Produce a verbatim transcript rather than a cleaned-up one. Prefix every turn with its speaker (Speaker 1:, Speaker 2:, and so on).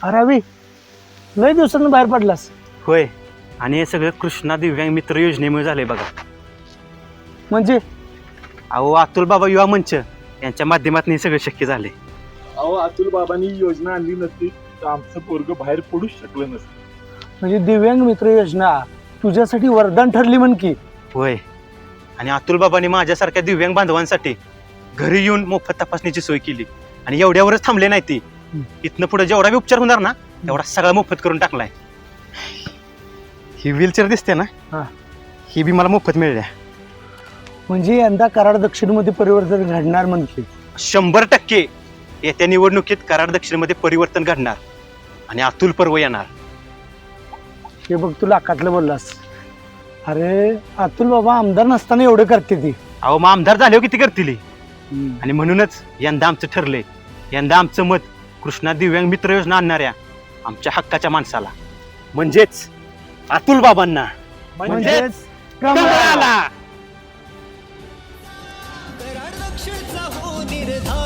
Speaker 1: अरे अभि, लय दिवसांनी बाहेर पडलास.
Speaker 2: होय, आणि हे सगळं कृष्णा दिव्यांग मित्र योजनेमुळे झाले बघा.
Speaker 1: म्हणजे
Speaker 2: अहो अतुल बाबा युवा मंच यांच्या माध्यमातून हे सगळं शक्य झाले.
Speaker 3: अहो अतुल बाबांनी योजना आणली नसती तर आमचं पोरग बाहेर पडूच शकलं नसतं.
Speaker 1: म्हणजे दिव्यांग मित्र योजना तुझ्यासाठी वरदान ठरली म्हण की.
Speaker 2: होय, आणि अतुल बाबांनी माझ्यासारख्या दिव्यांग बांधवांसाठी घरी येऊन मोफत तपासणीची सोय केली. आणि एवढ्यावरच थांबले नाही ती, इथनं पुढे जेवढा बी उपचार होणार ना तेवढा सगळा मोफत करून टाकलाय. ही व्हीलचेअर दिसते ना,
Speaker 1: हा.
Speaker 2: ही बी मला मोफत मिळल्या.
Speaker 1: म्हणजे यंदा कराड दक्षिणमध्ये परिवर्तन घडणार म्हणते.
Speaker 2: शंभर टक्के येत्या निवडणुकीत कराड दक्षिणमध्ये परिवर्तन घडणार आणि अतुल पर्व येणार.
Speaker 1: हे बघ तू लाखातलं बोललास. अरे अतुल बाबा आमदार नसताना एवढं करते ती.
Speaker 2: अहो मग आमदार झाले हो किती करतील. आणि म्हणूनच यंदा आमचं ठरलंय, यंदा आमचं मत कृष्णा दिव्यांग मित्र योजना आणणाऱ्या आमच्या हक्काच्या माणसाला म्हणजेच अतुल बाबांना
Speaker 1: म्हणजेच
Speaker 2: कमळाला.
Speaker 4: कराड दक्षिणचा हो निर्धार